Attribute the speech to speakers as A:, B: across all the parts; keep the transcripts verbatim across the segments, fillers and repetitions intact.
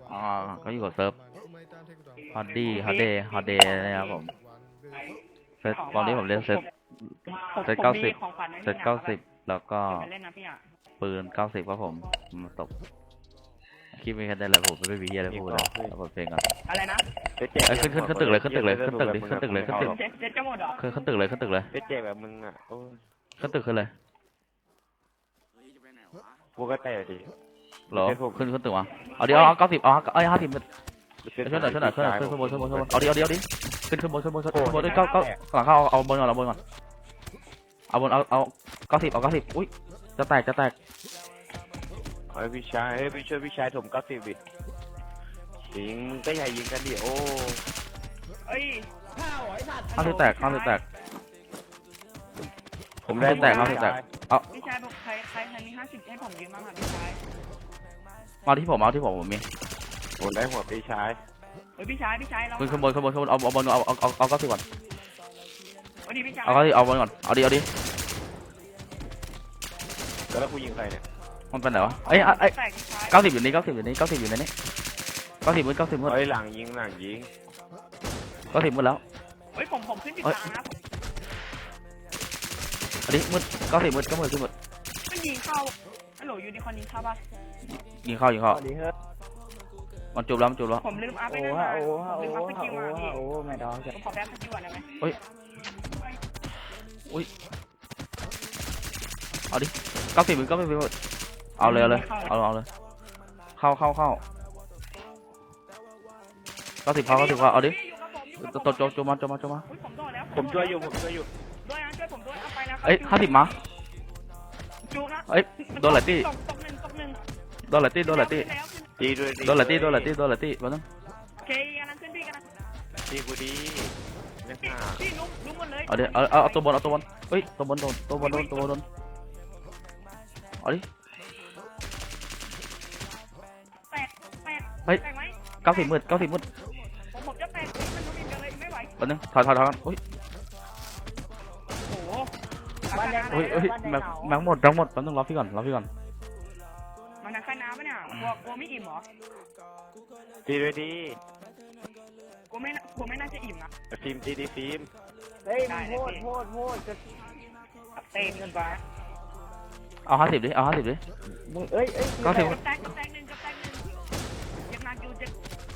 A: อ๋อก็อยู่กับเซิร์ฟฮอตดี้ฮอตเดย์ฮอตเดย์นะครับผมเซตตอนนี้ผมเล่นเซตเซตเก้าสิบเซตเก้าสิบแล้วก็ปืนเก้าสิบครับผมมาตกคิดไม่กันได้เลยผมไม่มีอะไรพูดเลยเอาบทเพลงก่อน
B: อะไรนะ
A: เอ้ยขึ้นขึ้นขึ้นตึกเลยขึ้นตึกเลยขึ้นตึกดิขึ้นตึกเลยขึ้นตึก
B: เจ็ดเจ็ดจะหมดเหรอ
A: ขึ้นขึ้นตึกเลยขึ้นตึกเลย
C: เจ๊เจ๊แบบมึงอ่ะโอ้ย
A: ขึ้นตึกขึ้นเลย
C: กูก็แต่ดิ
A: หรอขึ้นขึ้นตึกมาเอาดิเอาเก้าสิบเอาเอาห้าสิบขึ้นหน่อยขึ้นหน่อยขึ้นหน่อยขึ้นบนขึ้นบนขึ้นบนเอาดิเอาดิเอาดิขึ้นขึ้นบนขึ้นบนขึ้นบนเก้าเก้าหลังเข้าเอาบนก่อนเอาบนก่อนเอาบนเอาเอาเก้าสิบเอาเก้าสิบอุ้ยจะแตกจะแตก
C: เฮ้ยพี่ชายเฮ้ยพี่ช่วยพี่ชายถมเก้าสิบดิยิงมึงก็อย่ายิงกันดิโอ้
B: เอ้ย
A: ห้าสิบแตกห้าสิบแตก
C: ผมได้
A: แตกห้าสิบแตกเอา
B: พี่ชายบอกใครใครใครมีห้าสิบให้ผมยืมบ้างอ่ะพี่ชาย
A: มาที่ผมเอาที่ผมผมมี
C: ผมได้หัวพี่ชาย
B: เฮ้ยพี่ชายพี่ชายเรา
A: ขึ้นขึ้นบนขึ้นบนขึ้นบนเอาเอาบนเอาเอาเอาเอาเก้าสิบก่อน
B: เอาดิพี่ชาย
A: เอาเก้าสิบเอาบนก่อนเอาดิเอาดิ
C: แล้วกูยิงใครเนี่ย
A: มันเป็นไหนวะเอ้ยเอ้ยเก้าสิบอยู่นี่เก้าสิบอยู่นี่เก้าสิบอยู่ในนี้เก้าสิบมืดเก้าสิบมืด
C: เฮ้ยหลังยิงหลังยิง
A: เก้าสิบมืดแล้ว
B: เฮ้ยผมผมขึ้นจุดกลางนะ
A: อันนี้มืดเก้าสิบมืดก็มืดขึ้นมืด
B: ไม่ยิงเข้าฮัลโหลยูนิคอร์นยิงเข้าป่ะ
A: ยิงเข้ายิงเข้ามันจูบแล้วมันจูบแล้ว
B: ผมลืมอัพไปนั่นมาผมลืมอัพสกิลมาพี่
D: โอ้ไม่ดอก
B: ผมขอแป๊บสกิลก่อนได้ไหม
A: เฮ้ยอุ้ยเอาดิเก้าสิบมืดก็ไม่เป็นเอาเลยเอาเลยเอาเอาเลยเข้าเข้าเข้าเก้าสิบเข้าเก้าสิบเข้าเอาดิตัวโจโจมาโจมาโจมา
C: ผมช่วยอยู่ผมช่วยอยู่
B: ด้วยนะช่วยผมด้วยเอาไปนะ
A: เอ้ยห้าสิบมา
B: จูนะ
A: เอ้ยโดนไหลตี้
B: ตกหนึ่งตกหนึ่ง
A: โดนไหลตี้โดนไหลตี้
C: ดีด้วย
A: โดนไหลตี้โดนไหลตี้โดนไหลตี้มาตั้ง
B: โอเคกันนั้นขึ้นพี่กันนะ
C: ดีกูดี
B: พี่พี่ลุ้มลุ้มหมดเลย
A: เอาดิเอาเอาตัวบนเอาตัวบนเฮ้ยตัวบนโดนตัวบนโดนตัวบนโดนเอาดิ
B: แตกแตก
A: เฮ้ยเก้าสิบมืดเก้าสิบมืด
B: ผมผมจะแตกมันลุ้มอีกเลยไม่ไหว
A: มาตั้งถอยถอยถอยเฮ้ย
B: โอ้โห
A: เฮ้ยเฮ้ยแม็กแม็กหมดทั้งหมดต้องรอพี่ก่อนรอพี่ก่อน
B: มันนักแค่น้ำปะเนี่ยกลัวกลัวไม่อิ่มหรอ
C: ดีด้วยดี
B: กลัวไม่กลัวไม่น่าจะอิ่มนะ
C: ฟิล์มดีดีฟิล์ม
D: เฮ้ยโทษโทษโทษจะ
B: เต้นกันไป
A: เอาห้าสิบดิเอาห้าสิบดิ
D: มึงเอ้ยเอ้ย
A: เก้าสิบ
B: กับแตกกับแตกหนึ่งกับแตกหนึ่งเจ็บหนักอยู่เจ็บ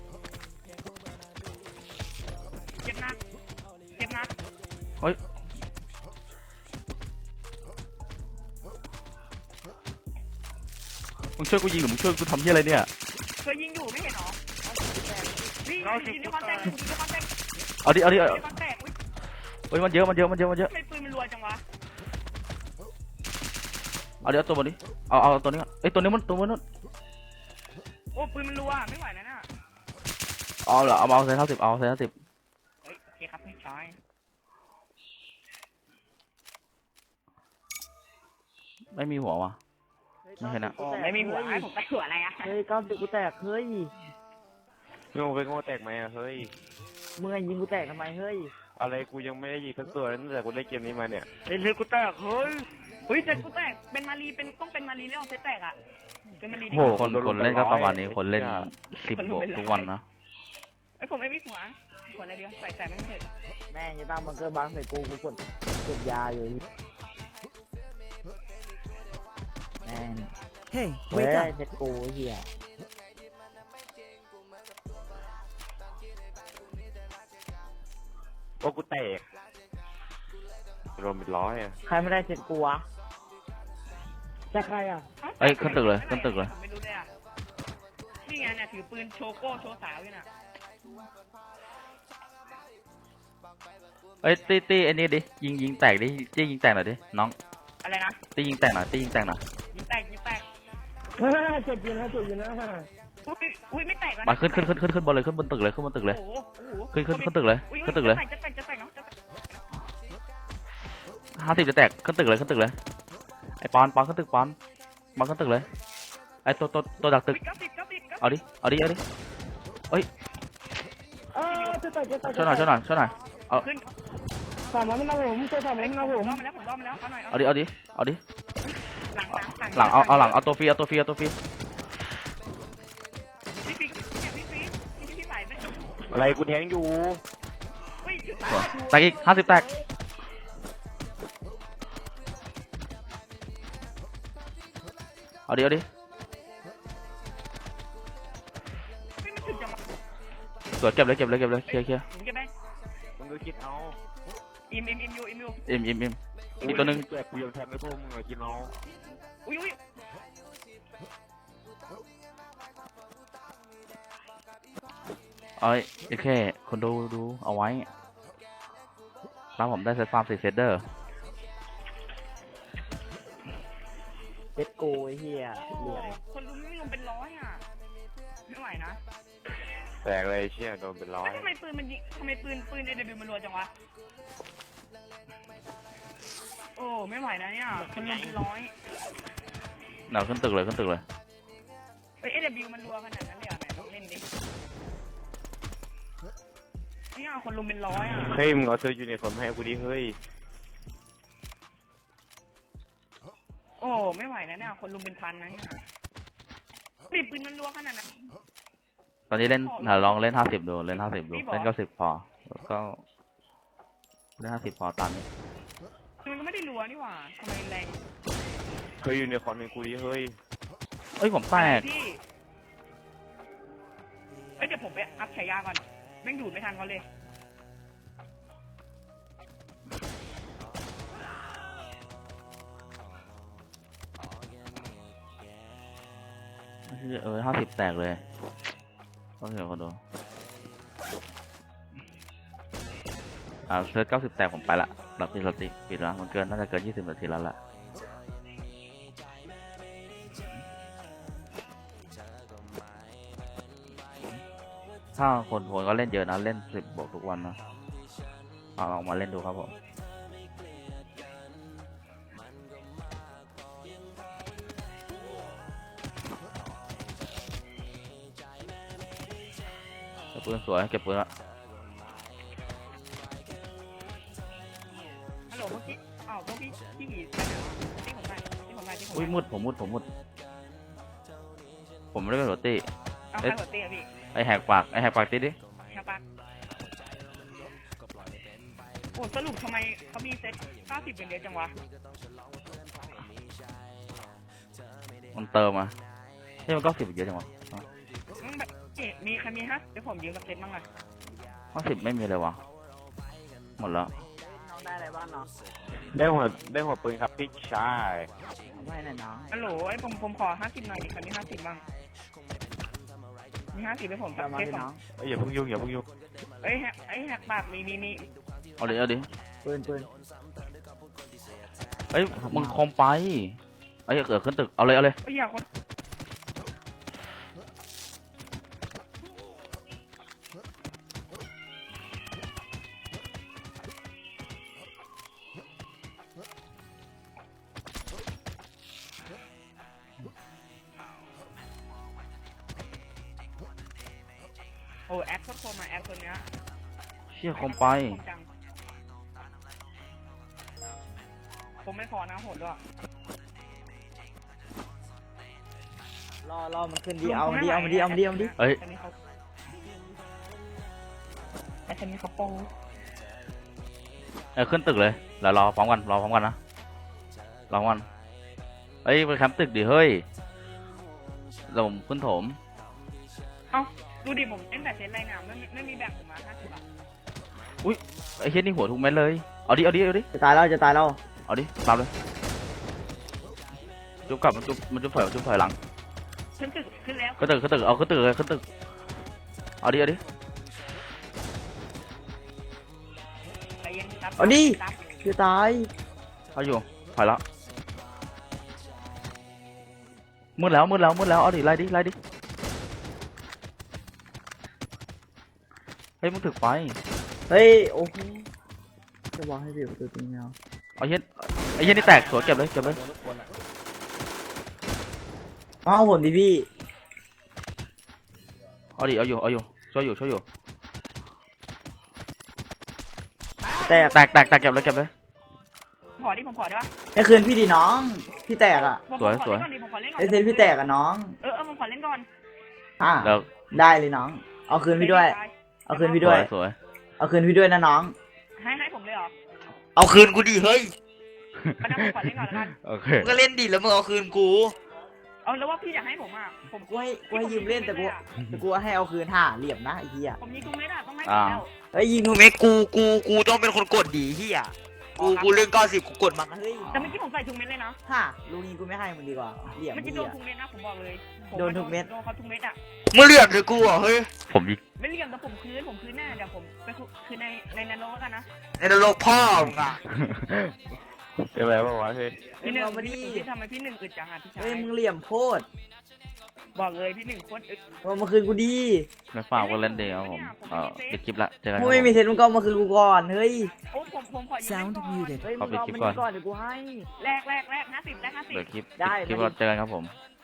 B: เจ็บหนักเจ็บหนัก
A: เฮ้ยมึงช่วยกูยิงหรือมึงช่วยกูทำที่อะไรเนี่ย
B: ช่วยยิงอยู่ไม่เห็นหรอยิงยิงในคอนแทคยิงในคอนแทค
A: เอาดิเอาดิเอา
B: คอนแทค
A: เฮ้ยมันเยอะมันเยอะมันเยอะมันเยอะ
B: ไม่ปืนมันรัวจังวะ
A: เอาดิเอาตัวบนดิเอาเอาตัวนี้เอ้ยตัวนี้มันตัวมันนู่น
B: โอ้ปืนมันรัวไม่ไหวแล้วน่ะ
A: เอาเหรอเอาเอาเซนห้าสิบเอาเซนห้าสิบ
B: เฮ้ยโอเคครับพี่ชาย
A: ไม่มีหัววะไม่เห็นอะ
B: ไม่มีหัวให้ผมตัดหัวอะไรอะ
D: เฮ้ยก้าวตึกกูแตกเฮ้ย
C: โง่ไปโง่แตกไหมอะเฮ้ย
D: มึงยิงกูแตกทำไมเฮ้ย
C: อะไรกูยังไม่ได้ยิงสักตัวตั้งแต่กูได้เกมนี้มาเนี่ย
B: เฮ้ยเลยกูแตกเฮ้ยเฮ้ยเจ็ดกูแตกเป็นมารีเป็นต้องเป็นมารีแล้วเซตแตกอะเป็นมารี
A: โอ้โหคนคนเล่นก็ประมาณนี้คนเล่นสิบบวกทุกวันนะ
B: ไอผมไม่มีหัวหัวอะไรเดียวใส่ใส่ไม่เสร็จ
D: แม่งจะตั้งบังเกอร์บังใส่กูกูกดกดยาอยู่แม่งเฮ้ยเฮ้ยเซ็ตกูเหี้ย
C: โอ้กูแตกรวมเป็นร้อยอะ
D: ใครไม่ได้เซ็ตกูวะจะใครอ่ะ
A: เอ้ยขึ้นตึกเลยขึ้นตึกเลย
B: ไม่รู้เลยอ่ะนี่ไงเนี่ยถือปืนโชโก้โชสาวอยู่น่ะ
A: เอ้ยตีตีอันนี้ดิยิงยิงแตกดิจี้ยิงแตกหน่อยดิน้อง
B: อะไรนะ
A: ตียิงแตกหน่อยตียิงแตกหน่อย
B: ยิงแตกยิงแตก
D: เฮ้ยเจ็บอยู่นะเจ็บอยู่นะ
B: อุ้ยอุ้ยไม่แตก
A: มาขึ้นขึ้นขึ้นขึ้นขึ้นบนเลยขึ้นบนตึกเลยขึ้นบนตึกเลยขึ้นขึ้นขึ้นตึกเลยขึ้นตึกเลยห้าสิบจะแตกขึ้นตึกเลยขึ้นตึกเลยไอ้ปอนปอนขึ้นตึกปอนปอนขึ้นตึกเลยไอ้ตัวตัวตัวดักตึกเอาดิเอาดิเอาดิเฮ้ยช่วยหน่อยช่วยหน่อยช่วยหน่อยเอา
D: สามมันนะผมช่วยสามมันนะผม
A: เอาดิเอาดิเอาดิหลังเอาเอาหลังเอาตัวฟรีเอาตัวฟรีเอาตัวฟรี
C: อะไรกูแทงอยู่
B: เฮ้ยจุด
A: สวยแตกอีกห้าสิบแตกเอาดิเอาดิ
B: เฮ้ยมันถึงจังวะ
A: สวยเก็บเลยเก็บเลยเก็บเลยเคลียร์เคลียร์
B: ผมเก็บได้
C: มึงก็คิดเอา
B: อิมอิมอิมยูอิมยู
A: อิ่มอิ่มอิ่มอีกตัวหนึง
C: แจกกูยังแทงไม่พวกมึงเลยคิดเอา
B: อุ้ยอุ้ย
A: เอ้ยโอเคคนดูดูเอาไว้แล้วผมได้เซตฟาร์มสี่เซตเดอร์
D: เซ็ตกูไอ้เหี้ย
B: โอ้โหคนรู้ไม่ลงเป็นร้อยอ่ะไม่ไหวนะ
C: แตกเลยเชี่ยโดนเป็นร้อย
B: แล้วทำไมปืนมันยิงทำไมปืนปืนเอเดบิวมันรัวจังวะโอ้ไม่ไหวนะเนี่ยคนลงเป็นร้อย
A: เดี๋ยวขึ้นตึกเลยขึ้นตึกเลย
B: เอ้ยเอเดบิวมันรัวขนาดนั้นเลยเหรอไหนลองเล่นดิเนี่ยคนลงเป็นร้อยอ่ะ
C: เฮ้ยมึงเอาเสื้อยูนิฟอร์มให้กูดิเฮ้ย
B: โอ้ไม่ไหวนะเนี่ยคนลุมเป็นพันนะเนี่ยปีปืนมันรัวขนาดนั้น
A: ตอนนี้เล่นเดี๋ยวลองเล่นห้าสิบดูเล่นห้าสิบดูเล่นเก้าสิบพอแล้วก็เล่นห้าสิบพอตามนี้
B: มันก็ไม่ได้รัวนี่หว่าทำไมแรง
C: เฮ้ยยูนิฟอร์มให้กูดิเฮ้ย
A: เอ้ยผมแตก
B: พี่เอ้ยเดี๋ยวผมไปอัพฉายาก่อนแม่งดูดไม่ทันเขาเลย
A: เออห้าสิบแตกเลยก็เดี๋ยวคนดูอ่าเซิร์ชเก้าสิบแตกผมไปละหลับปิดสติปิดละมันเกินน่าจะเกินยี่สิบนาทีแล้วล่ะถ้าคนคนก็เล่นเยอะนะเล่นสิบบวกทุกวันนะเอาลองมาเล่นดูครับผมเก็บปืนสวยเก็บปืนละ
B: ฮัลโหลเมื่อกี้อ้าวพวกพี่พี่หมีไปไหนวะที่ผมไปที่ผมไปที่ผม
A: อุ้ย
B: ไป
A: มุดผมมุดผมมุดผมไม่ได้เป็นหัวตี
B: เอาใครหัวเตี้ยพี่
A: ไอแหกปากไอแหกปากตีดิ
B: แค่ปะโอ้สรุปทำไมเขามีเซ็ตเก้าสิบเป็นเดียวจังวะ
A: มันเติมมาที่มันก็สิบเยอะจังวะ
B: อืมแบบเอ๊ะมีใครมีฮะเดี๋ยวผมยืมกับเซ็ตบ้างอะ
A: ห้าสิบไม่มีเลยวะหมดแล้ว
D: น้องได้อะไรบ้างเนาะ
C: ได้หัวได้หัวปืนครับพี่ชาย
D: เอาไว้หน่อยน้อง
B: ฮัลโหลไอ้ผมผมขอห้าสิบหน่อยดิใครมีห้าสิบบ้างมีห้าสิบให้ผมกับ
D: เอามา
B: เซ็ต
D: ให้
B: สอ
D: น้อง ง
C: เอ้ยอย่าเพิ่งยุ่งอย่าเพิ่งยุ่ง
B: เอ้ยแฮกไอ้ยแฮกปากมีมีมี
A: เอาดิเอาดิ
D: ปืนปืน
A: เอ้ยมึงคอมไปเอ้ยเกิดขึ้นตึกเอาเลยเอาเลย
B: เอ้ยอย่าคน โอ้แอปก็โทรมาแอปตัวเนี้ย
A: เชี่ยคอมไป
B: จังผมไม่พอนะโหดด้วย
D: รอรอมันขึ้นดีเอามันดีเอามันดีเอามันดีเอามันดี
A: เอ้ย
B: อันนี้เขาไอ้คนนี้เขาโป้ง
A: เอ้ยขึ้นตึกเลยแล้วรอพร้อมกันรอพร้อมกันนะรอพร้อมกันเอ้ยไปแคมป์ตึกดิเฮ้ยเราผมขึ้นโถม
B: เอ้าดูดิผมเล่นแต่เซนไรงามไม่มีไม่มีแบ่งผมมาห้าสิบบาท
A: อุ้ยไอ้เชี่ยนี่หัวทุกเม็ดเลยเอาดิเอาดิเอาดิ
D: จะตายแล้วจะตายแล้ว
A: เอาดิตามเลยจุ๊บกลับมันจุ๊บมันจุ๊บถอยมันจุ๊บถอยหลัง
B: ขึ้นตึกขึ้นแล้ว
A: ขึ้นตึกขึ้นตึกเอาขึ้นตึกเลยขึ้นตึกเอาดิเอาดิ
B: ใจเย็นครับ
D: เอาดิ
B: ครับ
D: จะตาย
A: เอาอยู่ถอยแล้วมืดแล้วมืดแล้วมืดแล้วเอาดิไล่ดิไล่ดิเฮ้ยมึงถึกไฟ
D: เฮ้ยโอ้โหจะบอกให้เบียบตัวจริงเอา
A: เอาเย็นไอ้เย็นนี่แตกสวยเก็บเลยเก็บเลย
D: เอาผมดิพี่
A: เอาดิเอาอยู่เอาอยู่ช่วยอยู่ช่วยอยู่
D: แตก
A: แตกแตกแตกเก็บเลยเก็บเลย
B: ขอดิผมขอได้ปะ
D: ไอ้คืนพี่ดิน้องพี่แตกอ่ะ
B: ผม
A: สวย
B: ขอ
A: สวย
B: เล่นก่อนดิผมขอเล่นก่อน
D: ไอ้เซนพี่แตกอ่ะน้อง
B: เออเออผมขอเล่นก่อน
D: อ่ะ
A: เดี๋ยว
D: ได้เลยน้อง เอาคืนพี่ด้วย
A: เ
D: เอาคืนพี่ด้วย
A: สวย
D: เอาคืนพี่ด้วยนะน้อง
B: ให้ให้ผมเลยเหรอ
E: เอาคืนกูดิเฮ้ย
B: ก็นั่งผมขอเล่นก่อนแล้วกัน
A: โอเค
E: มึงก็เล่นดิแล้วมึงเอาคืนกู
B: เอาแล้วว่าพี่อยากให้ผมอ่ะผม
D: กูให้กูให้ยืมเล่นแต่กูแต่กูให้เอาคืนห่าเหลี่ยมนะไอ้เหี้ย
B: ผมยิงทุกเม็ดอ่ะต้องให้
A: อ่า
B: แล้ว
D: เฮ้ยยิง
E: ถูกไหมกูกูกูต้องเป็นคนกดดีเฮียกูกูเรื่องเก้าสิบกูกดมัน
D: เฮ้ย
B: แต่เมื่อกี้ผมใส่ทุกเม็ดเลยนะ
D: ห่าลูกนี้กูไม่ให้มึงดีกว่าเหลี่ยม
B: เมื่อกี้
D: เหี้
B: โดน
D: ย
B: ทุกเม็ดนะผมบอกเลยผ
D: โดนทุกเม็ด
B: โดนเขาทุกเม็ดอ่ะ
E: มึงเหลี่ยมหรือกูอ่ะเฮ้ย
A: ผมยิง
B: ไม่เลี่ยมแต่ผมคืนผมคืนแน่เดี๋ยวผมไปคืนในในนาโนแล้วกันนะ
E: ในนรกพ่อมึงอ่ะ
C: เป็นไรบ้างวะเฮ้ย
B: พี่หนึ่ง
D: เอามาดิ
B: พี่พี่ทำไมพี่หนึ่งอึดจังอ่ะพี่ชาย
D: เฮ้ยมึงเหลี่ยมโคตร
B: บอกเลยพี่หนึ่งโคตรอึด
D: เอามาคืนกูดี
A: ไม่ฝากก็เล่นเดียวผมเออเด็กคลิปละเจอกันค
D: กู
A: รับ
D: ไม่มีเซนมึงก็เอามาคืนกูก่อนเฮ้ย
B: โอ้ผมผมขอยืม
F: Sound
B: ก่อน
F: muted.
D: เฮ้ย
A: ขอ
D: มึง
A: ปิด
D: เอา
A: คลิป
D: มัน
A: ก่อน
D: ก่อนเดี๋ยวกูให้
B: แรกแรกแรกห้าสิบแรกห้าสิบ
A: เดี๋ยวคลิป
D: ได้
A: คลิป
D: ได้
A: เราเจอกันครับผม